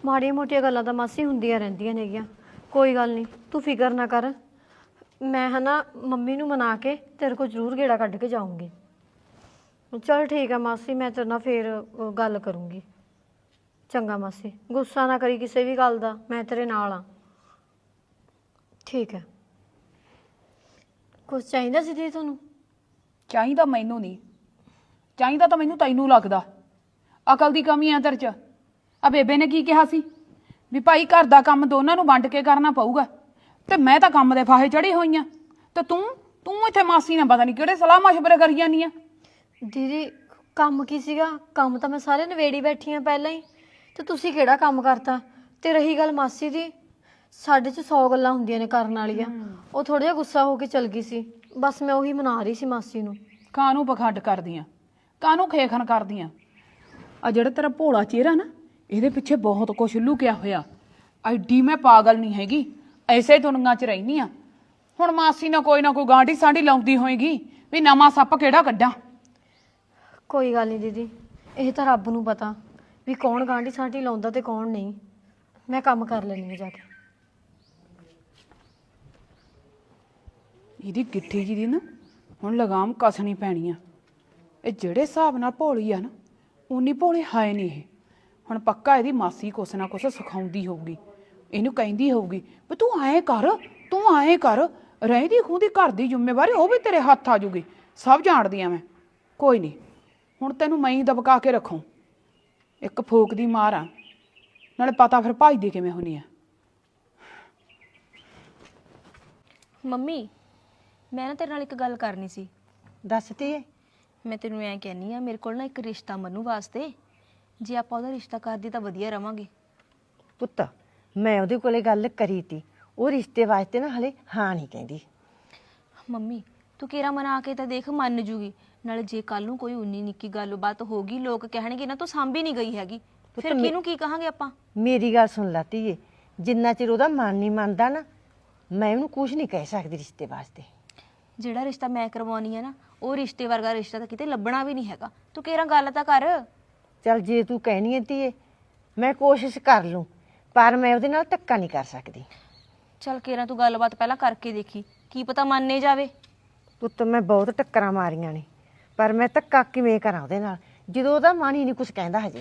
ਮਾੜੀਆਂ ਮੋਟੀਆਂ ਗੱਲਾਂ ਤਾਂ ਮਾਸੀ ਹੁੰਦੀਆਂ ਰਹਿੰਦੀਆਂ ਨੇਗੀਆਂ। ਕੋਈ ਗੱਲ ਨਹੀਂ, ਤੂੰ ਫਿਕਰ ਨਾ ਕਰ। ਮੈਂ ਹਨਾ ਮੰਮੀ ਨੂੰ ਮਨਾ ਕੇ ਤੇਰੇ ਕੋਲ ਜ਼ਰੂਰ ਗੇੜਾ ਕੱਢ ਕੇ ਜਾਊਂਗੀ। ਚਲ ਠੀਕ ਹੈ ਮਾਸੀ, ਮੈਂ ਤੇਰੇ ਨਾਲ ਫੇਰ ਗੱਲ ਕਰੂੰਗੀ। ਚੰਗਾ ਮਾਸੀ, ਗੁੱਸਾ ਨਾ ਕਰੀ ਕਿਸੇ ਵੀ ਗੱਲ ਦਾ, ਮੈਂ ਤੇਰੇ ਨਾਲ ਆ। ਠੀਕ ਹੈ। ਕੁਛ ਚਾਹੀਦਾ ਸੀ ਦੀਦੀ ਤੁਹਾਨੂੰ? ਚਾਹੀਦਾ ਮੈਨੂੰ ਨਹੀਂ, ਚਾਹੀਦਾ ਤਾਂ ਮੈਨੂੰ ਤੈਨੂੰ ਲੱਗਦਾ। ਅਕਲ ਦੀ ਕਮੀ ਆ ਤੇਰੇ 'ਚ। ਆ ਬੇਬੇ ਨੇ ਕੀ ਕਿਹਾ ਸੀ ਵੀ ਭਾਈ ਘਰ ਦਾ ਕੰਮ ਦੋਨਾਂ ਨੂੰ ਵੰਡ ਕੇ ਕਰਨਾ ਪਊਗਾ, ਤੇ ਮੈਂ ਤਾਂ ਕੰਮ ਦੇ ਫਾਹੇ ਚੜੀ ਹੋਈ ਆ, ਤੇ ਤੂੰ ਇੱਥੇ ਮਾਸੀ ਨਾਲ ਪਤਾ ਨਹੀਂ ਕਿਹੜੇ ਸਲਾਹ ਮਸ਼ਵਰੇ ਕਰੀ ਜਾਂਦੀ ਆ। ਦੀਦੀ ਕੰਮ ਕੀ ਸੀਗਾ? ਕੰਮ ਤਾਂ ਮੈਂ ਸਾਰੇ ਨਵੇੜੀ ਬੈਠੀ ਆ ਪਹਿਲਾਂ ਹੀ, ਤੇ ਤੁਸੀਂ ਕਿਹੜਾ ਕੰਮ ਕਰਤਾ? ਤੇ ਰਹੀ ਗੱਲ ਮਾਸੀ ਦੀ, ਸਾਡੇ 'ਚ 100 ਗੱਲਾਂ ਹੁੰਦੀਆਂ ਨੇ ਕਰਨ ਵਾਲੀਆਂ। ਉਹ ਥੋੜਾ ਜਿਹਾ ਗੁੱਸਾ ਹੋ ਕੇ ਚਲ ਗਈ ਸੀ, ਬਸ ਮੈਂ ਉਹੀ ਮਨਾ ਰਹੀ ਸੀ ਮਾਸੀ ਨੂੰ। ਕਾਹਨੂੰ ਪਖੰਡ ਕਰਦੀਆਂ, ਕਾਹਨੂੰ ਖੇਖਣ ਕਰਦੀਆਂ? ਆ ਜਿਹੜਾ ਤੇਰਾ ਭੋਲਾ ਚਿਹਰਾ ਨਾ, ਇਹਦੇ ਪਿੱਛੇ ਬਹੁਤ ਕੁਛ ਲੁਕਿਆ ਹੋਇਆ। ਐਡੀ ਮੈਂ ਪਾਗਲ ਨਹੀਂ ਹੈਗੀ, ਐਸੇ ਦੁਨੀਆਂ 'ਚ ਰਹਿਨੀ ਆ। ਹੁਣ ਮਾਸੀ ਨਾਲ ਕੋਈ ਨਾ ਕੋਈ ਗਾਂਢੀ ਸਾਂਢੀ ਲਾਉਂਦੀ ਹੋਏਗੀ ਵੀ ਨਵਾਂ ਸੱਪ ਕਿਹੜਾ ਕੱਢਾਂ। ਕੋਈ ਗੱਲ ਨਹੀਂ ਦੀਦੀ, ਇਹ ਤਾਂ ਰੱਬ ਨੂੰ ਪਤਾ ਵੀ ਕੌਣ ਗਾਂਢੀ ਸਾਂਢੀ ਲਾਉਂਦਾ ਤੇ ਕੌਣ ਨਹੀਂ। ਮੈਂ ਕੰਮ ਕਰ ਲੈਂਦੀ ਹਾਂ ਜਾ ਕੇ। ਇਹਦੀ ਗਿੱਠੀ ਜੀ ਦੀ ਨਾ ਹੁਣ ਲਗਾਮ ਕੱਸਣੀ ਪੈਣੀ ਆ। ਇਹ ਜਿਹੜੇ ਹਿਸਾਬ ਨਾਲ ਭੋਲੀ ਆ ਨਾ, ਉਨੀ ਭੋਲੀ ਹੈ ਨਹੀਂ ਇਹ। ਹੁਣ ਪੱਕਾ ਇਹਦੀ ਮਾਸੀ ਕੁਛ ਨਾ ਕੁਛ ਸਿਖਾਉਂਦੀ ਹੋਊਗੀ, ਇਹਨੂੰ ਕਹਿੰਦੀ ਹੋਊਗੀ ਵੀ ਤੂੰ ਐਂ ਕਰ, ਤੂੰ ਐਂ ਕਰ। ਰਹਿੰਦੀ ਖੂੰਦੀ ਘਰ ਦੀ ਜ਼ਿੰਮੇਵਾਰੀ ਉਹ ਵੀ ਤੇਰੇ ਹੱਥ ਆ ਜੂਗੀ, ਸਭ ਜਾਣਦੀ ਆ ਮੈਂ। ਕੋਈ ਨਹੀਂ, ਹੁਣ ਤੈਨੂੰ ਮੈਂ ਹੀ ਦਬਕਾ ਕੇ ਰੱਖੂ। ਇੱਕ ਫੂਕ ਦੀ ਮਾਰ ਆ, ਨਾਲੇ ਪਤਾ ਫਿਰ ਭੱਜਦੀ ਕਿਵੇਂ ਹੁੰਦੀ ਆ। ਮੰਮੀ, ਮੈਂ ਨਾ ਤੇਰੇ ਨਾਲ ਇੱਕ ਗੱਲ ਕਰਨੀ ਸੀ। ਦੱਸ ਧੀਏ। ਮੈਂ ਤੈਨੂੰ ਐਂ ਕਹਿੰਦੀ ਆ, ਮੇਰੇ ਕੋਲ ਨਾ ਇੱਕ ਰਿਸ਼ਤਾ ਮੰਨੂ ਵਾਸਤੇ, ਜੇ ਆਪਾਂ ਉਹਦਾ ਰਿਸ਼ਤਾ ਕਰਦੀ ਤਾਂ ਵਧੀਆ ਰਵਾਂਗੇ। ਪੁੱਤ, ਮੈਂ ਉਹਦੇ ਕੋਲੇ ਗੱਲ ਕਰੀ ਤੀ, ਉਹ ਰਿਸ਼ਤੇ ਵਾਸਤੇ ਨਾ ਹਲੇ ਹਾਂ ਨਹੀਂ ਕਹਿੰਦੀ। ਮੰਮੀ ਤੂੰ ਕਿਹੜਾ ਮਨਾ ਕੇ ਤਾਂ ਦੇਖ, ਮੰਨ ਜੂਗੀ। ਨਾਲੇ ਜੇ ਕੱਲ ਨੂੰ ਕੋਈ ਉਨੀ ਨਿੱਕੀ ਗੱਲਬਾਤ ਹੋ ਗਈ, ਲੋਕ ਕਹਿਣਗੇ ਨਾ ਤੂੰ ਸਾਂਭੀ ਨਹੀਂ ਗਈ ਹੈਗੀ, ਫਿਰ ਕਿਹਨੂੰ ਕੀ ਕਹਾਂਗੇ ਆਪਾਂ? ਮੇਰੀ ਗੱਲ ਸੁਣ ਲਾ ਧੀਏ, ਜਿੰਨਾ ਚਿਰ ਉਹਦਾ ਮਨ ਨਹੀਂ ਮੰਨਦਾ ਨਾ, ਮੈਂ ਉਹਨੂੰ ਕੁਝ ਨਹੀਂ ਕਹਿ ਸਕਦੀ ਰਿਸ਼ਤੇ ਵਾਸਤੇ। ਜਿਹੜਾ ਰਿਸ਼ਤਾ ਮੈਂ ਕਰਵਾਉਣੀ ਆ ਨਾ, ਉਹ ਰਿਸ਼ਤੇ ਵਰਗਾ ਰਿਸ਼ਤਾ ਤਾਂ ਕਿਤੇ ਲੱਭਣਾ ਵੀ ਨਹੀਂ ਹੈਗਾ। ਤੂੰ ਕਿਹੜਾ ਗੱਲ ਤਾਂ ਕਰ। ਚੱਲ ਜੇ ਤੂੰ ਕਹਿਣੀ ਹੈ ਧੀਏ, ਮੈਂ ਕੋਸ਼ਿਸ਼ ਕਰ ਲੂੰ, ਪਰ ਮੈਂ ਉਹਦੇ ਨਾਲ ਧੱਕਾ ਨਹੀਂ ਕਰ ਸਕਦੀ। ਚੱਲ ਕਿਹੜਾ ਤੂੰ ਗੱਲਬਾਤ ਪਹਿਲਾਂ ਕਰਕੇ ਦੇਖੀ, ਕੀ ਪਤਾ ਮੰਨੇ ਜਾਵੇ। ਪੁੱਤ ਮੈਂ ਬਹੁਤ ਟੱਕਰਾਂ ਮਾਰੀਆਂ ਨੇ, ਪਰ ਮੈਂ ਧੱਕਾ ਕਿਵੇਂ ਕਰਾਂ ਉਹਦੇ ਨਾਲ ਜਦੋਂ ਉਹਦਾ ਮਨ ਹੀ ਨਹੀਂ ਕੁਝ ਕਹਿੰਦਾ ਹਜੇ।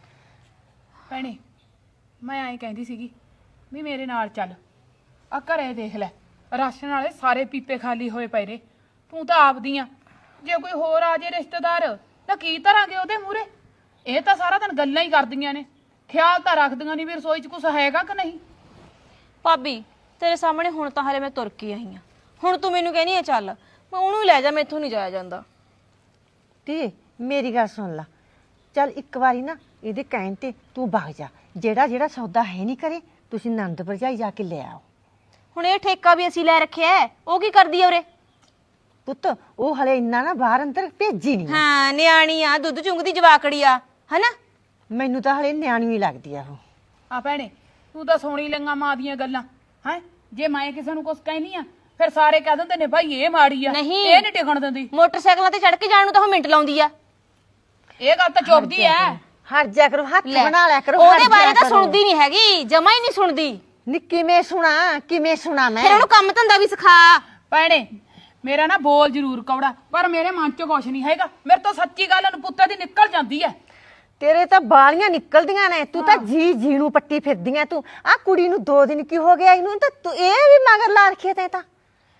ਭੈਣੇ, ਮੈਂ ਐਂ ਕਹਿੰਦੀ ਸੀਗੀ ਵੀ ਮੇਰੇ ਨਾਲ ਚੱਲ, ਆ ਘਰੇ ਦੇਖ ਲੈ, ਰਾਸ਼ਨ ਵਾਲੇ ਸਾਰੇ ਪੀਪੇ ਖਾਲੀ ਹੋਏ ਪਏ ਨੇ। ਤੂੰ ਤਾਂ ਆਪਦੀ ਆ, ਜੇ ਕੋਈ ਹੋਰ ਆ ਜੇ ਰਿਸ਼ਤੇਦਾਰ ਤਾਂ ਕੀ ਧਰਾਂਗੇ ਉਹਦੇ ਮੂਹਰੇ? ਇਹ ਤਾਂ ਸਾਰਾ ਦਿਨ ਗੱਲਾਂ ਹੀ ਕਰਦੀਆਂ ਨੇ, ਖਿਆਲ ਤਾਂ ਰੱਖਦੀਆਂ ਨਹੀਂ ਵੀ ਰਸੋਈ 'ਚ ਕੁਝ ਹੈਗਾ ਕਿ ਨਹੀਂ। ਭਾਬੀ ਤੇਰੇ ਸਾਹਮਣੇ ਹੁਣ ਤਾਂ ਹਲੇ ਮੈਂ ਤੁਰ ਕੇ ਆਈ ਆ, ਹੁਣ ਤੂੰ ਮੈਨੂੰ ਕਹਿਨੀ ਆ ਚੱਲ, ਮੈਂ ਉਹਨੂੰ ਲੈ ਜਾ, ਮੈਥੋਂ ਨਹੀਂ ਜਾਇਆ ਜਾਂਦਾ। ਧੀਏ ਮੇਰੀ ਗੱਲ ਸੁਣ ਲਾ, ਚੱਲ ਇੱਕ ਵਾਰੀ ਨਾ ਇਹਦੇ ਕਹਿਣ ਤੇ ਤੂੰ ਵਗ ਜਾ, ਜਿਹੜਾ ਸੌਦਾ ਹੈ ਨਹੀਂ ਕਰੇ ਤੁਸੀਂ ਨੰਦ ਭਰਜਾਈ ਜਾ ਕੇ ਲੈ ਆਓ। ਹੁਣ ਇਹ ਠੇਕਾ ਵੀ ਅਸੀਂ ਲੈ ਰੱਖਿਆ, ਉਹ ਕੀ ਕਰਦੀ ਆ ਉਰੇ? ਪੁੱਤ ਉਹ ਹਲੇ ਇੰਨਾ ਨਾ ਬਾਹਰ ਅੰਦਰ ਭੇਜੀ ਨਹੀਂ। ਹਾਂ ਨਿਆਣੀ ਆ, ਦੁੱਧ ਚੁੰਗਦੀ ਜਵਾਕੜੀ ਆ, ਹਨਾ? ਮੈਨੂੰ ਤਾਂ ਹਲੇ ਨਿਆਣੀ ਹੀ ਲੱਗਦੀ ਆ ਉਹ। ਆ ਭੈਣੇ, ਤੂੰ ਤਾਂ ਸੋਣੀ ਲੰਗਾ ਮਾਂ ਦੀਆਂ ਗੱਲਾਂ ਹੈ। ਜੇ ਮੈਂ ਕਿਸੇ ਨੂੰ ਕੁਝ ਕਹਿਨੀ ਆ, ਫਿਰ ਸਾਰੇ ਕਹਿ ਦਿੰਦੇ ਨੇ ਭਾਈ ਇਹ ਮਾੜੀ ਆ, ਨਹੀਂ, ਇਹ ਨਹੀਂ ਟਿਕਣ ਦਿੰਦੀ। ਮੋਟਰਸਾਈਕਲਾਂ ਤੇ ਚੜ ਕੇ ਜਾਣ ਨੂੰ ਤਾਂ ਉਹ ਮਿੰਟ ਲਾਉਂਦੀ ਆ। ਇਹ ਗੱਲ ਤਾਂ ਚੁੱਪਦੀ ਐ। ਹਟ ਜਾ ਕਰੋ, ਹੱਥ ਬਣਾ ਲਿਆ ਕਰੋ। ਉਹਦੇ ਬਾਰੇ ਤਾਂ ਸੁਣਦੀ ਨਹੀਂ ਹੈਗੀ, ਜਮਾ ਹੀ ਨਹੀਂ ਸੁਣਦੀ। ਨੀ ਕਿਵੇਂ ਸੁਣਾ ਮੈਂ? ਫਿਰ ਉਹਨੂੰ ਕੰਮ ਧੰਦਾ ਵੀ ਸਿਖਾ। ਭੈਣੇ ਮੇਰਾ ਨਾ ਬੋਲ ਜ਼ਰੂਰ ਕੌੜਾ, ਪਰ ਮੇਰੇ ਮਨ 'ਚ ਕੁਛ ਨਹੀਂ ਹੈਗਾ। ਮੇਰੇ ਤੋਂ ਸੱਚੀ ਗੱਲ ਅਨਪੁੱਤੇ ਦੀ ਨਿਕਲ ਜਾਂਦੀ ਐ। ਤੇਰੇ ਤਾਂ ਬਾਲੀਆਂ ਨਿਕਲਦੀਆਂ ਨੇ, ਤੂੰ ਤਾਂ ਜੀ ਨੂੰ ਪੱਟੀ ਫਿਰਦੀਆਂ। ਤੂੰ ਆ ਕੁੜੀ ਨੂੰ 2 ਦਿਨ ਕੀ ਹੋ ਗਿਆ ਇਹਨੂੰ, ਤਾਂ ਤੂੰ ਇਹ ਵੀ ਮਗਰ ਲਾ ਰੱਖਿਆ ਤੈਂ ਤਾਂ।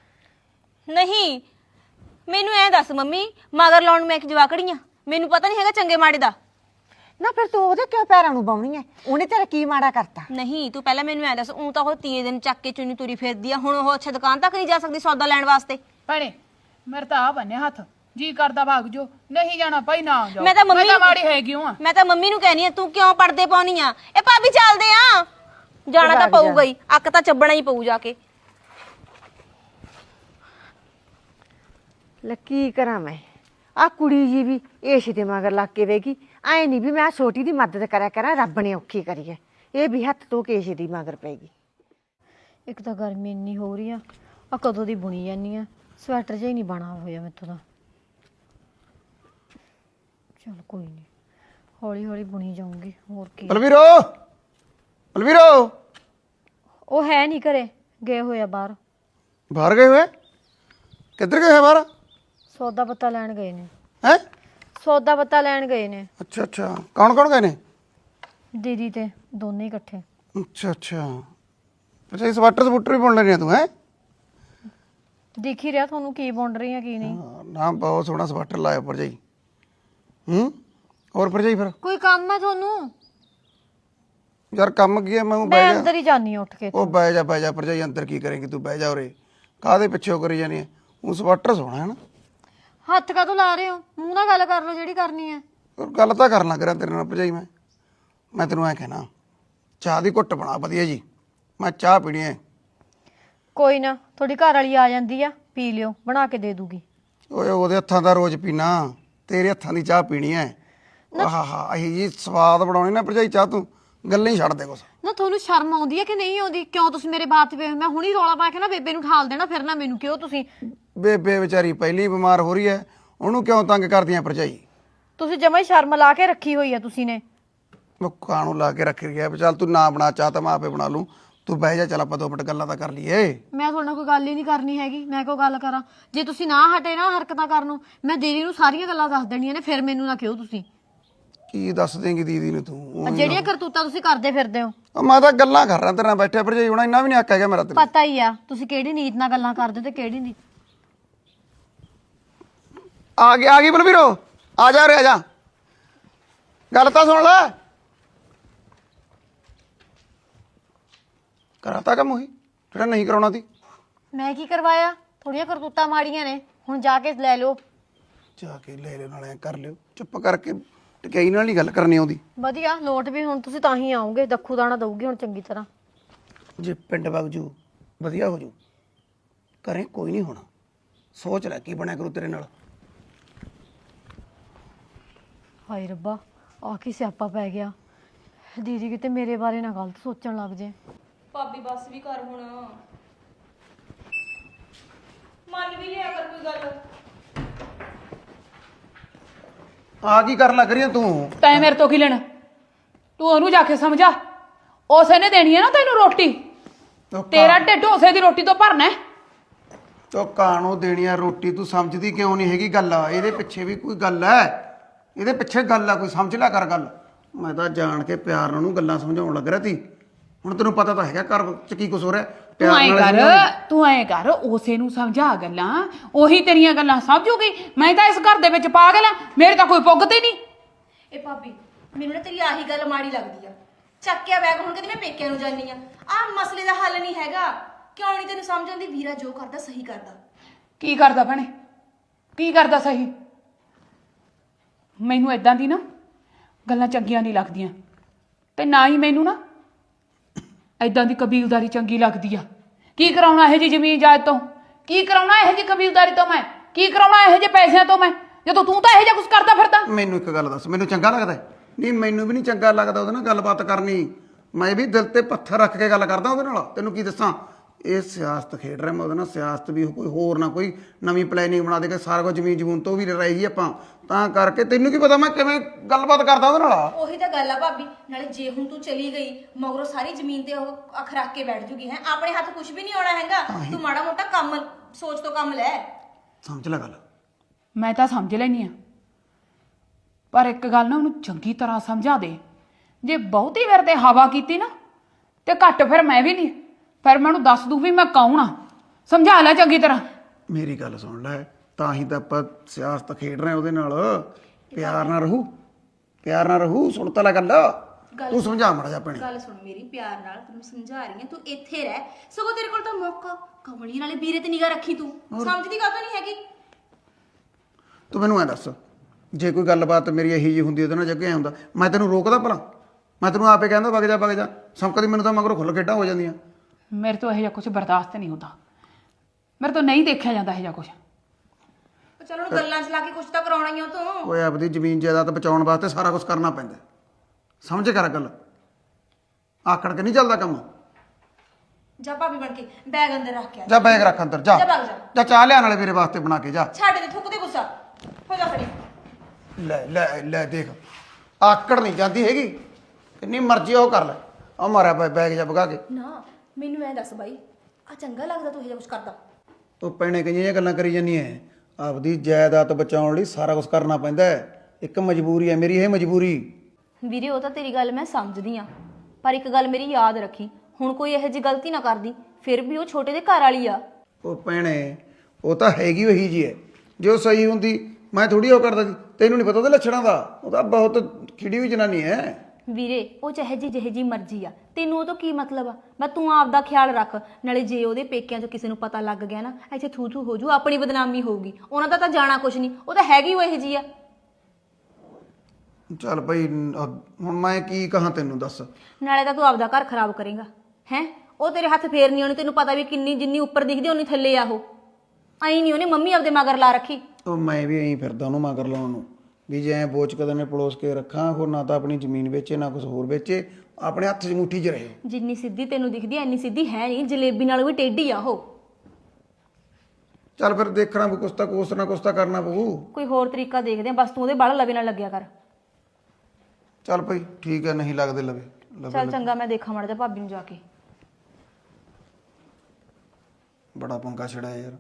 ਨਹੀਂ ਮੈਨੂੰ ਐ ਦੱਸ ਮੰਮੀ, ਮਗਰ ਲਾਉਣ ਮੈਂ ਇੱਕ ਜਵਾਕੜੀ ਆ? ਮੈਨੂੰ ਪਤਾ ਨਹੀਂ ਹੈਗਾ ਚੰਗੇ ਮਾੜੇ ਦਾ। ਨਾ ਫਿਰ ਤੂੰ ਉਹਦੇ ਕਿਉਂ ਪੈਰਾਂ ਨੂੰ ਬਾਉਣੀ ਐ? ਉਹਨੇ ਤੇਰਾ ਕੀ ਮਾੜਾ ਕਰਤਾ? ਨਹੀਂ ਤੂੰ ਪਹਿਲਾਂ ਮੈਨੂੰ ਐ ਦੱਸ, ਉਹ ਤਾਂ ਉਹ 3 ਦਿਨ ਚੱਕ ਕੇ ਚੁੰਨੀ ਤੁਰੀ ਫਿਰਦੀ ਆ, ਹੁਣ ਉਹ ਅੱਛਾ ਦੁਕਾਨ ਤੱਕ ਨਹੀਂ ਜਾ ਸਕਦੀ ਸੌਦਾ ਲੈਣ ਵਾਸਤੇ? ਭੈਣੇ ਮੇਰੇ ਤਾਂ ਆ ਬੰਨੇ ਹੱਥ, ਜੀ ਕਰਦਾ ਭਾਗ ਜੋ, ਨਹੀਂ ਜਾਣਾ ਭਾਈ ਨਾ ਜਾਓ। ਮੈਂ ਤਾਂ ਮਾੜੀ ਹੈਗੀ ਹਾਂ। ਮੈਂ ਤਾਂ ਮੰਮੀ ਨੂੰ ਕਹਿਨੀ ਆ, ਤੂੰ ਕਿਉਂ ਪੜਦੇ ਪਾਉਣੀ ਆ? ਇਹ ਭਾਬੀ ਚੱਲਦੇ ਆ, ਜਾਣਾ ਤਾਂ ਪਊਗਾ ਹੀ, ਅੱਕ ਤਾਂ ਚੱਬਣਾ ਹੀ ਪਊ ਜਾ ਕੇ। ਲੈ ਕੀ ਕਰਾਂ ਮੈਂ? ਆ ਕੁੜੀ ਜੀ ਵੀ ਇਸ ਦੇ ਮਗਰ ਲੱਗ ਕੇ ਵੇਗੀ। ਐ ਨਹੀਂ ਵੀ ਮੈਂ ਛੋਟੀ ਦੀ ਮਦਦ ਕਰਿਆ ਕਰਾਂ, ਰੱਬ ਨੇ ਔਖੀ ਕਰੀ ਐ। ਇਹ ਵੀ ਹੱਥ ਧੋ ਕੇ ਇਸ ਦੀ ਮਗਰ ਪੈਗੀ। ਇੱਕ ਤਾਂ ਗਰਮੀ ਇੰਨੀ ਹੋ ਰਹੀ ਆ ਕਦੋਂ ਦੀ ਬੁਣੀ ਜਾਂਦੀ ਆ, ਸਵੈਟਰ ਜਿਹਾ ਹੀ ਨਹੀਂ ਬਣਾ ਹੋਇਆ ਮੈਥੋਂ ਤਾਂ। ਚਲ ਕੋਈ ਨਹੀਂ, ਹੌਲੀ ਹੌਲੀ ਬੁਣੀ ਜਾਊਂਗੀ, ਹੋਰ ਕੀ। ਬਲਵੀਰੋ ਬਲਵੀਰੋ ਉਹ ਹੈ ਨਹੀਂ ਘਰੇ, ਗਏ ਹੋਏ ਆ ਬਾਹਰ। ਬਾਹਰ ਗਏ ਹੋਏ? ਕਿੱਧਰ ਗਏ ਹੋਏ ਬਾਹਰ? ਸੌਦਾ ਪੱਤਾ ਲੈਣ ਗਏ ਨੇ। ਹੈ? ਸੌਦਾ ਪੱਤਾ ਲੈਣ ਗਏ ਨੇ। ਅੱਛਾ ਅੱਛਾ, ਕੌਣ ਕੌਣ ਗਏ ਨੇ? ਦੀਦੀ ਤੇ ਦੋਨੇ ਹੀ ਇਕੱਠੇ। ਅੱਛਾ ਅੱਛਾ, ਅੱਛਾ ਇਹ ਸਵਾਟਰ ਸਪੂਟਰ ਵੀ ਬੁਣ ਲੈਣੀ ਆ ਤੂੰ? ਹੈ ਦਿਖ ਹੀ ਰਿਹਾ ਤੁਹਾਨੂੰ ਕੀ ਬੁਣ ਰਹੀ ਆ ਕੀ ਨਹੀਂ। ਨਾ ਬਹੁਤ ਸੋਹਣਾ ਸਵਾਟਰ ਲਾਇਆ ਭਰਜਾਈ। ਹੋਰ ਭਰਜਾਈ ਫਿਰ ਕੋਈ ਕੰਮ ਹੈ ਤੁਹਾਨੂੰ? ਯਾਰ ਕੰਮ ਕੀ ਹੈ? ਮੈਂ ਮੈਂ ਬਹਿ ਅੰਦਰ ਜਾ। ਹੀ ਜਾਨੀ ਉੱਠ ਕੇ। ਉਹ ਬਹਿ ਜਾ ਭਰਜਾਈ, ਅੰਦਰ ਕੀ ਕਰੇਂਗੀ ਤੂੰ? ਬਹਿ ਜਾ ਉਰੇ, ਕਾਹਦੇ ਪਿੱਛੇ ਕਰੀ ਜਾਨੀ ਹੈ? ਉਹ ਸਵਾਟਰ ਸੋਹਣਾ ਹੈ ਨਾ। ਹੱਥ ਕਾਹਤੋਂ ਲਾ ਰਹੇ ਹੋ? ਮੂੰਹ ਨਾਲ ਗੱਲ ਕਰ ਲਓ ਜਿਹੜੀ ਕਰਨੀ ਹੈ। ਗੱਲ ਤਾਂ ਕਰਨ ਲੱਗ ਰਿਹਾ ਤੇਰੇ ਨਾਲ ਭਰਜਾਈ। ਮੈਂ ਤੈਨੂੰ ਐ ਕਹਿਣਾ, ਚਾਹ ਦੀ ਘੁੱਟ ਬਣਾ ਵਧੀਆ ਜੀ, ਮੈਂ ਚਾਹ ਪੀਣੀ ਹੈ। ਕੋਈ ਨਾ, ਤੁਹਾਡੀ ਘਰ ਵਾਲੀ ਆ ਜਾਂਦੀ ਆ, ਪੀ ਲਿਓ, ਬਣਾ ਕੇ ਦੇ ਦੂਗੀ। ਓਏ ਉਹਦੇ ਹੱਥਾਂ ਦਾ ਰੋਜ਼ ਪੀਣਾ, ਤੇਰੇ ਹੱਥਾਂ ਦੀ ਚਾਹ ਪੀਣੀ ਹੈ। ਆਹਾ ਇਹ ਜੀ ਸਵਾਦ ਬਣਾਉਣੀ ਨਾ ਭਰਜਾਈ ਚਾਹ, ਤੂੰ ਗੱਲਾਂ ਹੀ ਛੱਡ ਦੇ ਕੁਛ। ਨਾ ਤੁਹਾਨੂੰ ਸ਼ਰਮ ਆਉਂਦੀ ਹੈ ਕਿ ਨਹੀਂ ਆਉਂਦੀ? ਕਿਉਂ ਤੁਸੀਂ ਮੇਰੇ ਬਾਤ ਪਏ? ਮੈਂ ਹੁਣੀ ਰੌਲਾ ਪਾ ਕੇ ਨਾ ਬੇਬੇ ਨੂੰ ਠਾਲ ਦੇਣਾ, ਫਿਰ ਨਾ ਮੈਨੂੰ ਕਿਉਂ ਤੁਸੀਂ। ਬੇਬੇ ਵਿਚਾਰੀ ਪਹਿਲੀ ਬਿਮਾਰ ਹੋ ਰਹੀ ਹੈ, ਉਹਨੂੰ ਕਿਉਂ ਤੰਗ ਕਰਦੀਆਂ ਭਰਜਾਈ? ਤੁਸੀਂ ਜਮਾਂ ਹੀ ਸ਼ਰਮ ਲਾ ਕੇ ਰੱਖੀ ਹੋਈ ਆ ਤੁਸੀਂ ਨੇ। ਮੁੱਖਾਂ ਨੂੰ ਲਾ ਕੇ ਰੱਖ ਰਹੀ ਹੈ। ਚੱਲ ਤੂੰ ਨਾ ਬਣਾ ਚਾਹ ਤਾਂ ਮੈਂ ਆਪੇ ਬਣਾ ਲੂੰ, ਤੂੰ ਬਹਿ ਜਾ, ਚੱਲ ਆਪਾਂ 2 ਮਿੰਟ ਗੱਲਾਂ ਤਾਂ ਕਰ ਲਈਏ। ਮੈਂ ਤੁਹਾਡੇ ਨਾਲ ਕੋਈ ਗੱਲ ਹੀ ਨਹੀਂ ਕਰਨੀ ਹੈਗੀ। ਮੈਂ ਕੋਈ ਗੱਲ ਕਰਾਂ? ਜੇ ਤੁਸੀਂ ਨਾ ਹਟੇ ਨਾ ਹਰਕਤਾਂ ਕਰਨੋਂ, ਮੈਂ ਦੀਦੀ ਨੂੰ ਸਾਰੀਆਂ ਗੱਲਾਂ ਦੱਸ ਦੇਣੀਆਂ ਨੇ, ਫਿਰ ਮੈਨੂੰ ਨਾ ਕਿਉਂ ਤੁਸੀਂ। ਕੀ ਦੱਸ ਦੇਂਗੀ ਦੀਦੀ ਨੂੰ ਤੂੰ? ਆਹ ਜਿਹੜੀਆਂ ਕਰਤੂਤਾਂ ਤੁਸੀਂ ਕਰਦੇ ਫਿਰਦੇ ਹੋ। ਮੈਂ ਤਾਂ ਗੱਲਾਂ ਕਰ ਰਿਹਾ ਤੇਰੇ ਨਾਲ ਬੈਠਿਆ ਭਰਜਾਈ, ਹੁਣ ਇੰਨਾ ਵੀ ਨਹੀਂ ਹੱਕ ਹੈਗਾ ਮੇਰਾ ਤੇਰੇ। ਪਤਾ ਹੀ ਆ ਤੁਸੀਂ ਕਿਹੜੀ ਨੀਤ ਨਾਲ ਗੱਲਾਂ ਕਰਦੇ ਹੋ ਤੇ ਕਿਹੜੀ ਨਹੀਂ। ਆ ਗਈ ਬਲਵੀਰੋ, ਆ ਜਾ ਉਰੇ ਆ ਜਾ, ਗੱਲ ਤਾਂ ਸੁਣ ਲੈ। ਕਰਾਤਾ ਕੰਮ ਉਹੀ ਜਿਹੜਾ ਨਹੀਂ ਕਰਾਉਣਾ ਸੀ? ਮੈਂ ਕੀ ਕਰਵਾਇਆ? ਥੋੜੀਆਂ ਕਰਤੂਤਾਂ ਮਾੜੀਆਂ ਨੇ, ਹੁਣ ਜਾ ਕੇ ਲੈ ਲਓ। ਜਾ ਕੇ ਲੈ ਲਿਓ, ਨਾਲੇ ਕਰ ਲਿਓ, ਚੁੱਪ ਕਰਕੇ ਟਕਾਈ ਨਾਲ ਹੀ ਗੱਲ ਕਰਨੀ ਆਉਂਦੀ। ਵਧੀਆ ਲੋਟ ਵੀ ਹੁਣ ਤੁਸੀਂ ਤਾਂ ਹੀ ਆਓਗੇ, ਦੱਖੂ ਦਾਣਾ ਦਊਗੀ ਹੁਣ ਚੰਗੀ ਤਰ੍ਹਾਂ। ਜੇ ਪਿੰਡ ਵਗ ਜੂ ਵਧੀਆ ਹੋ ਜੂ, ਘਰੇ ਕੋਈ ਨਹੀਂ ਹੋਣਾ। ਸੋਚ ਲੈ ਕੀ ਬਣਿਆ ਕਰੂ ਤੇਰੇ ਨਾਲ। ਹਾਏ ਰੱਬਾ, ਆ ਕੀ ਸਿਆਪਾ ਪੈ ਗਿਆ। ਦੀਦੀ ਕਿਤੇ ਮੇਰੇ ਬਾਰੇ ਨਾ ਗਲਤ ਸੋਚਣ ਲੱਗ ਜੇ। ਭਾਬੀ ਬਸ ਵੀ ਕਰ ਹੁਣ, ਮੰਨ ਵੀ ਲਿਆ ਕਰ ਕੋਈ ਗੱਲ। ਆ ਕੀ ਕਰਨ ਲੱਗ ਰਹੀ ਹੈ ਤੂੰ? ਤੈਂ ਮੇਰੇ ਤੋਂ ਕੀ ਲੈਣਾ? ਤੂੰ ਉਹਨੂੰ ਜਾ ਕੇ ਸਮਝਾ, ਉਸੇ ਨੇ ਦੇਣੀ ਹੈ ਨਾ ਤੈਨੂੰ ਰੋਟੀ। ਤੇਰਾ ਢਿੱਡ ਉਸੇ ਦੀ ਰੋਟੀ ਤੋਂ ਭਰਨਾ ਹੈ। ਤੋ ਕਾਣੋ ਦੇਣੀ ਆ ਰੋਟੀ, ਤੂੰ ਸਮਝਦੀ ਕਿਉਂ ਨਹੀਂ ਹੈਗੀ ਗੱਲ? ਇਹਦੇ ਪਿੱਛੇ ਵੀ ਕੋਈ ਗੱਲ ਹੈ, ਇਹਦੇ ਪਿੱਛੇ ਗੱਲ ਆ ਕੋਈ, ਸਮਝ ਲਿਆ ਕਰ ਗੱਲ। ਮੈਂ ਤਾਂ ਜਾਣ ਕੇ ਪਿਆਰ ਨਾਲ ਉਹਨੂੰ ਗੱਲਾਂ ਸਮਝਾਉਣ ਲੱਗ ਰਿਹਾ ਸੀ। ਹੁਣ ਤੈਨੂੰ ਪਤਾ ਤਾਂ ਹੈਗਾ ਘਰ ਚ ਕੀ ਕੁਛ ਹੋ ਰਿਹਾ। ਤੂੰ ਐਂ ਕਰ ਉਸੇ ਨੂੰ ਸਮਝਾ ਗੱਲਾਂ, ਉਹੀ ਤੇਰੀਆਂ ਗੱਲਾਂ ਸਮਝੂਗੀ। ਮੈਂ ਤਾਂ ਇਸ ਘਰ ਦੇ ਵਿੱਚ ਪਾਗਲ ਆ, ਮੇਰੇ ਤਾਂ ਕੋਈ ਪੁੱਗਦੇ ਨਹੀਂ। ਇਹ ਭਾਬੀ ਮੈਨੂੰ ਨਾ ਤੇਰੀ ਆਹੀ ਗੱਲ ਮਾੜੀ ਲੱਗਦੀ ਆ। ਚੱਕਿਆ ਬੈਗ ਹੁਣ ਕਹਿੰਦੀ ਮੈਂ ਪੇਕਿਆਂ ਨੂੰ ਜਾਨੀ ਆ। ਆਹ ਮਸਲੇ ਦਾ ਹੱਲ ਨਹੀਂ ਹੈਗਾ। ਕਿਉਂ ਨਹੀਂ ਤੈਨੂੰ ਸਮਝ ਆਉਂਦੀ? ਵੀਰਾ ਜੋ ਕਰਦਾ ਸਹੀ ਕਰਦਾ। ਕੀ ਕਰਦਾ ਭੈਣੇ? ਕੀ ਕਰਦਾ ਸਹੀ? ਮੈਨੂੰ ਇਦਾਂ ਦੀ ਨਾ ਗੱਲਾਂ ਚੰਗੀਆਂ ਨਹੀਂ ਲੱਗਦੀਆਂ, ਤੇ ਨਾ ਹੀ ਮੈਨੂੰ ਨਾ ਇਦਾਂ ਦੀ ਕਬੀਲਦਾਰੀ ਚੰਗੀ ਲੱਗਦੀ ਆ। ਕੀ ਕਰਾਉਣਾ ਇਹੋ ਜਿਹੀ ਜ਼ਮੀਨ ਜਾਇਦ ਤੋਂ? ਕੀ ਕਰਾਉਣਾ ਇਹੋ ਜਿਹੀ ਕਬੀਲਦਾਰੀ ਤੋਂ? ਮੈਂ ਕੀ ਕਰਾਉਣਾ ਇਹੋ ਜਿਹੇ ਪੈਸਿਆਂ ਤੋਂ? ਮੈਂ ਜਦੋਂ ਤੂੰ ਤਾਂ ਇਹੋ ਜਿਹਾ ਕੁਝ ਕਰਦਾ ਫਿਰਦਾ। ਮੈਨੂੰ ਇੱਕ ਗੱਲ ਦੱਸ, ਮੈਨੂੰ ਚੰਗਾ ਲੱਗਦਾ? ਨਹੀਂ ਮੈਨੂੰ ਵੀ ਨਹੀਂ ਚੰਗਾ ਲੱਗਦਾ ਉਹਦੇ ਨਾਲ ਗੱਲਬਾਤ ਕਰਨੀ। ਮੈਂ ਵੀ ਦਿਲ ਤੇ ਪੱਥਰ ਰੱਖ ਕੇ ਗੱਲ ਕਰਦਾ ਉਹਦੇ ਨਾਲ। ਤੈਨੂੰ ਕੀ ਦੱਸਾਂ, ਇਹ ਸਿਆਸਤ ਖੇਡ ਰਿਹਾ ਮੈਂ ਉਹਦੇ ਨਾਲ। ਸਿਆਸਤ ਵੀ ਕੋਈ ਹੋਰ ਨਾ ਕੋਈ ਨਵੀਂ ਪਲੈਨਿੰਗ ਬਣਾ ਦੇ ਕੇ ਸਾਰਾ ਕੁਝ ਜ਼ਮੀਨ ਜਮੂਨ ਤੋਂ ਵੀ ਰਹੇਗੀ ਆਪਾਂ, ਤਾਂ ਕਰਕੇ ਤੈਨੂੰ ਕੀ ਪਤਾ ਮੈਂ ਕਿਵੇਂ ਗੱਲਬਾਤ ਕਰਦਾ ਉਹਦੇ ਨਾਲ। ਉਹੀ ਤਾਂ ਗੱਲ ਆ ਭਾਬੀ, ਨਾਲੇ ਜੇ ਹੁਣ ਤੂੰ ਚਲੀ ਗਈ ਮਗਰੋਂ ਸਾਰੀ ਜ਼ਮੀਨ ਤੇ ਉਹ ਅੱਖ ਰੱਖ ਕੇ ਬੈਠ ਜੂਗੀ। ਹੈ ਆਪਣੇ ਹੱਥ ਕੁਝ ਵੀ ਨਹੀਂ ਆਉਣਾ ਹੈਗਾ। ਤੂੰ ਮਾੜਾ ਮੋਟਾ ਕੰਮ ਸੋਚ ਤੋਂ ਕੰਮ ਲੈ। ਸਮਝ ਲੈ ਗੱਲ। ਮੈਂ ਤਾਂ ਸਮਝ ਲੈਣੀ ਆ, ਪਰ ਇੱਕ ਗੱਲ ਨਾ ਉਹਨੂੰ ਚੰਗੀ ਤਰ੍ਹਾਂ ਸਮਝਾ ਦੇ। ਜੇ ਬਹੁਤੀ ਵਾਰ ਤੇ ਹਵਾ ਕੀਤੀ ਨਾ ਤੇ ਘੱਟ ਫਿਰ ਮੈਂ ਵੀ ਨਹੀਂ, ਫਿਰ ਮੈਨੂੰ ਦੱਸ ਦੂ ਵੀ ਮੈਂ ਕੌਣ ਆ। ਸਮਝਾ ਲੈ ਚੰਗੀ ਤਰ੍ਹਾਂ। ਮੇਰੀ ਗੱਲ ਸੁਣ ਲੈ, ਤਾਂ ਹੀ ਤਾਂ ਆਪਾਂ ਸਿਆਸਤ ਖੇਡ ਰਹੇ ਉਹਦੇ ਨਾਲ। ਪਿਆਰ ਨਾਲ ਰਹੂ, ਪਿਆਰ ਨਾਲ ਰਹੂ। ਸੁਣ ਤਾਂ ਲੈ ਗੱਲ, ਤੂੰ ਸਮਝਾ ਮਾੜਾ ਜਾ ਭੈਣੇ। ਗੱਲ ਸੁਣ ਮੇਰੀ, ਪਿਆਰ ਨਾਲ ਤੈਨੂੰ ਸਮਝਾ ਰਹੀ ਆ। ਤੂੰ ਇੱਥੇ ਰਹਿ, ਸਗੋਂ ਤੇਰੇ ਕੋਲ ਤਾਂ ਮੌਕਾ। ਕਮਲੀ ਨਾਲੇ ਵੀਰੇ ਤੇ ਨਿਗਾਹ ਰੱਖੀ। ਤੂੰ ਸਮਝਦੀ ਕਾਹਤੋਂ ਨਹੀਂ ਹੈਗੀ? ਤੂੰ ਮੈਨੂੰ ਐ ਦੱਸ, ਜੇ ਕੋਈ ਗੱਲਬਾਤ ਮੇਰੀ ਇਹੀ ਜਿਹੀ ਹੁੰਦੀ ਉਹਦੇ ਨਾਲ ਜੱਗੇ ਐ ਹੁੰਦਾ, ਮੈਂ ਤੈਨੂੰ ਰੋਕਦਾ ਭਲਾ? ਮੈਂ ਤੈਨੂੰ ਆਪੇ ਕਹਿੰਦਾ ਵਗ ਜਾ। ਸਮਕਦੀ ਮੈਨੂੰ ਤਾਂ ਮਗਰੋਂ ਖੁੱਲ ਖੇਡਾਂ ਹੋ ਜਾਂਦੀਆਂ। ਮੇਰੇ ਤੋਂ ਇਹੋ ਜਿਹਾ ਕੁਝ ਬਰਦਾਸ਼ਤ ਨਹੀਂ ਹੁੰਦਾ। ਮੇਰੇ ਤੋਂ ਨਹੀਂ ਦੇਖਿਆ ਜਾਂਦਾ ਇਹੋ ਜਿਹਾ ਕੁਝ। ਚਲੋ ਗੱਲਾਂ ਚ ਲਾ ਕੇ ਕੁਝ ਤਾਂ ਕਰਾਉਣਾ ਹੀ ਆ ਤੂੰ। ਓਏ ਆਪਦੀ ਜ਼ਮੀਨ ਜਾਇਦਾਦ ਬਚਾਉਣ ਵਾਸਤੇ ਸਾਰਾ ਕੁਝ ਕਰਨਾ ਪੈਂਦਾ। ਸਮਝ ਕਰ ਗੱਲ, ਆਕੜ ਕੇ ਨਹੀਂ ਚੱਲਦਾ ਕੰਮ। ਜਾ ਭਾਬੀ ਬਣ ਕੇ ਬੈਗ ਅੰਦਰ ਰੱਖ ਕੇ ਆ। ਜਾ ਬੈਗ ਰੱਖ ਅੰਦਰ, ਜਾ ਜਾ ਭੱਗ ਜਾ। ਜਾ ਚਾਹ ਲਿਆਣ ਵਾਲੇ ਮੇਰੇ ਵਾਸਤੇ ਬਣਾ ਕੇ ਜਾ। ਛੱਡ ਦੇ, ਥੁੱਕ ਦੇ ਗੁੱਸਾ। ਹੋ ਜਾ ਖੜੀ। ਲੈ ਲੈ ਲੈ ਦੇਖ, ਆਕੜ ਨਹੀਂ ਜਾਂਦੀ ਹੈਗੀ, ਕਿੰਨੀ ਮਰਜ਼ੀ ਉਹ ਕਰ ਲੈ। ਆ ਮਾਰਿਆ ਪਿਆ ਬੈਗ ਜਾ ਭਗਾ ਕੇ। ਨਾ ਮੈਨੂੰ ਐ ਦੱਸ ਬਾਈ, ਆ ਚੰਗਾ ਲੱਗਦਾ ਤੂੰ ਇਹ ਜਿਹਾ ਕੁਝ ਕਰਦਾ? ਉਹ ਭੈਣੇ ਕਈਆਂ ਜਿਹੀਆਂ ਗੱਲਾਂ ਕਰੀ ਜਾਂਦੀ ਐ। ਆਪਦੀ ਜਾਇਦਾਦ ਬਚਾਉਣ ਲਈ ਸਾਰਾ ਕੁਝ ਕਰਨਾ ਪੈਂਦਾ ਹੈ। ਇੱਕ ਮਜਬੂਰੀ ਹੈ ਮੇਰੀ, ਇਹ ਮਜਬੂਰੀ। ਵੀਰੇ ਉਹ ਤਾਂ ਤੇਰੀ ਗੱਲ ਮੈਂ ਸਮਝਦੀ ਆ, ਪਰ ਇੱਕ ਗੱਲ ਮੇਰੀ ਯਾਦ ਰੱਖੀ, ਹੁਣ ਕੋਈ ਇਹੋ ਜਿਹੀ ਗਲਤੀ ਨਾ ਕਰਦੀ, ਫਿਰ ਵੀ ਉਹ ਛੋਟੇ ਦੇ ਘਰ ਵਾਲੀ ਆ। ਉਹ ਭੈਣੇ ਉਹ ਤਾਂ ਹੈਗੀ ਉਹੀ ਜੀ ਹੈ, ਜੋ ਸਹੀ ਹੁੰਦੀ ਮੈਂ ਥੋੜੀ ਉਹ ਕਰਦਾ ਸੀ। ਤੈਨੂੰ ਨਹੀਂ ਪਤਾ ਉਹਦੇ ਲੱਛਣਾਂ ਦਾ, ਉਹ ਤਾਂ ਬਹੁਤ ਖਿੜੀ ਹੋਈ ਜਨਾਨੀ ਹੈ। ਵੀਰੇ ਉਹ ਜਿਹੇ ਜੀ ਮਰਜ਼ੀ ਆ, ਤੈਨੂੰ ਉਹ ਤੋਂ ਕੀ ਮਤਲਬ ਆ? ਮੈਂ ਤੂੰ ਆਪ ਦਾ ਖਿਆਲ ਰੱਖ, ਨਾਲੇ ਜੇ ਉਹਦੇ ਪੇਕਿਆਂ 'ਚ ਕਿਸੇ ਨੂੰ ਪਤਾ ਲੱਗ ਗਿਆ ਨਾ, ਇੱਥੇ ਥੂ ਥੂ ਹੋ ਜੂ, ਆਪਣੀ ਬਦਨਾਮੀ ਹੋਊਗੀ। ਉਹਨਾਂ ਦਾ ਤਾਂ ਜਾਣਾ ਕੁਛ ਨਹੀਂ, ਉਹ ਤਾਂ ਹੈਗੀ ਉਹ ਇਹੋ ਜੀ ਆ। ਚੱਲ ਭਾਈ ਹੁਣ ਮੈਂ ਕੀ ਕਹਾਂ ਤੈਨੂੰ ਦੱਸ। ਨਾਲੇ ਤਾਂ ਤੂੰ ਆਪਦਾ ਘਰ ਖਰਾਬ ਕਰੇਗਾ ਹੈ। ਉਹ ਤੇਰੇ ਹੱਥ ਫੇਰ ਨਹੀਂ ਆਉਣੀ, ਤੈਨੂੰ ਪਤਾ ਵੀ ਕਿੰਨੀ ਜਿੰਨੀ ਉੱਪਰ ਦਿਖਦੀ ਉਨੀ ਥੱਲੇ ਆ। ਉਹ ਐਂ ਨਹੀਂ ਉਹਨੇ ਮੰਮੀ ਆਪਦੇ ਮਗਰ ਲਾ ਰੱਖੀ। ਉਹ ਮੈਂ ਵੀ ਐਂ ਫਿਰਦਾ ਉਹਨੂੰ ਮਗਰ ਲਾਉਣ ਨੂੰ, ਵੀ ਜੇ ਐਂ ਬੋਚ ਕਦੇ ਨੇ ਪਲੋਸ ਕੇ ਰੱਖਾਂ, ਹੋਰ ਨਾ ਤਾਂ ਆਪਣੀ ਜ਼ਮੀਨ ਵੇਚੇ ਨਾ ਕੁਝ ਹੋਰ ਵੇਚੇ, ਆਪਣੇ ਹੱਥ 'ਚ ਮੁੱਠੀ 'ਚ ਰਹੇ। ਜਿੰਨੀ ਸਿੱਧੀ ਤੈਨੂੰ ਦਿਖਦੀ ਐ ਇੰਨੀ ਸਿੱਧੀ ਹੈ ਨਹੀਂ, ਜਲੇਬੀ ਨਾਲ ਵੀ ਟੇਢੀ ਆ ਉਹ। ਚੱਲ ਫਿਰ ਦੇਖਣਾ ਵੀ ਕੁਛ ਨਾ ਕੁਛ ਤਾਂ ਕਰਨਾ ਪਊ। ਕੋਈ ਹੋਰ ਤਰੀਕਾ ਦੇਖਦੇ ਆ, ਬਸ ਤੂੰ ਉਹਦੇ ਬਾਲ ਲਵੇ ਨਾਲ ਲੱਗਿਆ ਕਰ। ਚੱਲ ਭਾਈ ਠੀਕ ਹੈ, ਨਹੀਂ ਲੱਗਦੇ ਲਵੇ ਚੱਲ ਚੰਗਾ, ਮੈਂ ਦੇਖਾਂ ਮਾੜਾ ਜਿਹਾ ਭਾਬੀ ਨੂੰ ਜਾ ਕੇ। ਬੜਾ ਪੰਗਾ ਛੜਿਆ ਯਾਰ।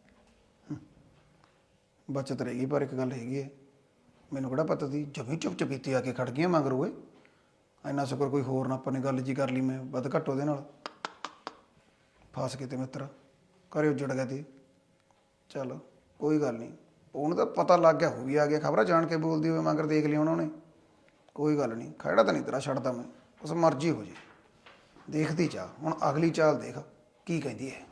ਬਚਤ ਰਹੇਗੀ, ਪਰ ਇੱਕ ਗੱਲ ਹੈਗੀ ਹੈ, ਮੈਨੂੰ ਕਿਹੜਾ ਪਤਾ ਸੀ ਜਮੀ ਚੁੱਪ ਚਪੀਤੀ ਆ ਕੇ ਖੜ ਗਈਆਂ ਮਗਰ। ਓਏ ਇੰਨਾ ਸ਼ੁਕਰ ਕੋਈ ਹੋਰ ਨਾ ਆਪਾਂ ਨੇ ਗੱਲ ਜੀ ਕਰ ਲਈ, ਮੈਂ ਵੱਧ ਘੱਟ ਉਹਦੇ ਨਾਲ ਫਸ ਕੇ ਤੇ ਮਿੱਤਰਾ ਘਰੇ ਉੱਜੜ ਗਿਆ ਤੇ। ਚੱਲ ਕੋਈ ਗੱਲ ਨਹੀਂ, ਉਹਨੂੰ ਤਾਂ ਪਤਾ ਲੱਗ ਗਿਆ ਹੋ ਵੀ ਆ ਗਿਆ, ਖਬਰਾਂ ਜਾਣ ਕੇ ਬੋਲਦੀ ਹੋਵੇ ਮਗਰ ਦੇਖ ਲਿਆ ਉਹਨਾਂ ਨੇ। ਕੋਈ ਗੱਲ ਨਹੀਂ, ਖੜਾ ਤਾਂ ਨਹੀਂ ਤੇਰਾ ਛੱਡਦਾ ਮੈਂ, ਉਸ ਮਰਜ਼ੀ ਹੋ ਜੇ। ਦੇਖਦੀ ਚਾਹ ਹੁਣ ਅਗਲੀ ਚਾਲ ਦੇਖ ਕੀ ਕਹਿੰਦੀ ਹੈ।